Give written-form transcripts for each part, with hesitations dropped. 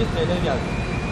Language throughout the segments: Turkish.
TL geldi.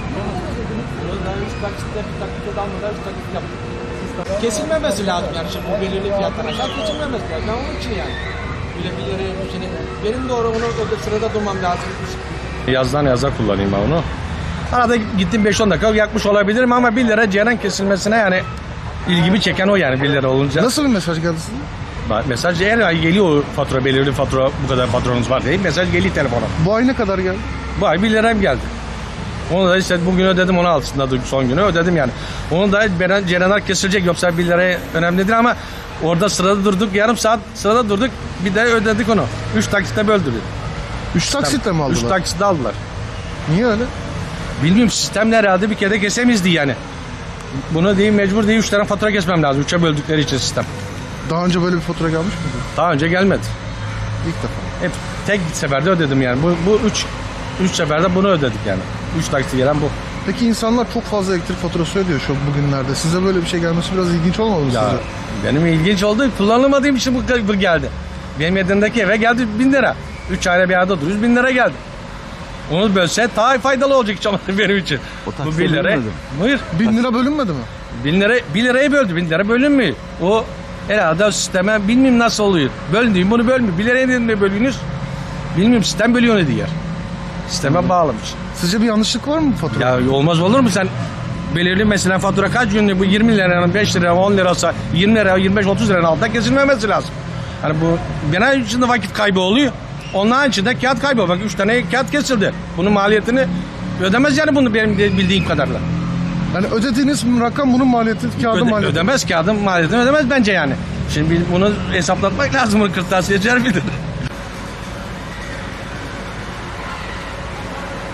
Bunu daha 3 taksitle bir taksit almadan 3 taksit yaptık. Kesilmemesi lazım yani şimdi bu belirli fiyatlar aşağı kesilmemesi lazım. Ben onun için yani. Bile bir yere şimdi benim doğru onu sırada durmam lazım. Yazdan yaza kullanayım ben onu. Arada gittim 5-10 dakika yakmış olabilirim ama 1 lira ceyran kesilmesine yani ilgimi çeken o yani 1 lira olunca. Nasıl bir mesaj geldi size? Mesaj her ay geliyor fatura, belirli fatura, bu kadar faturanız var diye mesaj geliyor telefona. Bu ay ne kadar geldi? Bu ay 1 liram geldi. Onu da işte bugün ödedim, onu altında son günü ödedim yani. Onu da ceyranlar kesilecek, yoksa 1 liraya önemlidir ama orada sırada durduk, yarım saat sırada durduk, bir de ödedik onu. 3 taksitle böldürdük. 3 taksitle mi aldılar? 3 taksitle aldılar. Niye öyle? Bilmiyorum, sistemle herhalde bir kere kesemizdi yani. Bunu değil, mecbur değil, 3 tane fatura kesmem lazım. 3'e böldükleri için sistem. Daha önce böyle bir fatura gelmiş miydi? Daha önce gelmedi. İlk defa. Hep tek seferde ödedim yani. Bu 3 seferde bunu ödedik yani. 3 taksi gelen bu. Peki insanlar çok fazla elektrik faturası ödüyor şu bugünlerde. Size böyle bir şey gelmesi biraz ilginç olmadı mı Ya size? benim ilginç oldu. Kullanılmadığım için bu geldi. Benim yedimdeki eve geldi 1000 lira. 3 ayda bir arada duruyoruz, 1000 lira geldi. Onu bölse daha faydalı olacak hiç olmadı benim için. Bu 1 lira. Buyur. 1000 lira bölünmedi mi? 1 lirayı böldü. 1000 lira bölünmüyor. O herhalde o sisteme bilmiyorum nasıl oluyor. Bölündüğüm bunu bölmüyor. 1 liraya ne bölüyorsunuz? Bilmiyorum, sistem bölüyor ne diyor. Sisteme bağlamış. Sizce bir yanlışlık var mı bu faturada? Ya olmaz olur mu, sen belirli mesela fatura kaç günlük, bu 20 liranın 5 lira 10 lirası 20 lira 25-30 liranın altında kesilmemesi lazım. Hani bu genel içinde vakit kaybı oluyor. Onun içinde kağıt kaybı. Bak 3 tane kağıt kesildi. Bunun maliyetini ödemez yani, bunu benim bildiğim kadarıyla. Yani ödediğiniz rakam bunun maliyeti, kağıdın maliyeti. Ödemez, kağıdın maliyetini ödemez bence yani. Şimdi bunu hesaplatmak lazım, bunu kırtasiyeciler bilir.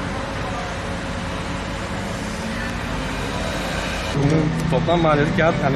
Bunun toplam maliyeti kağıt hani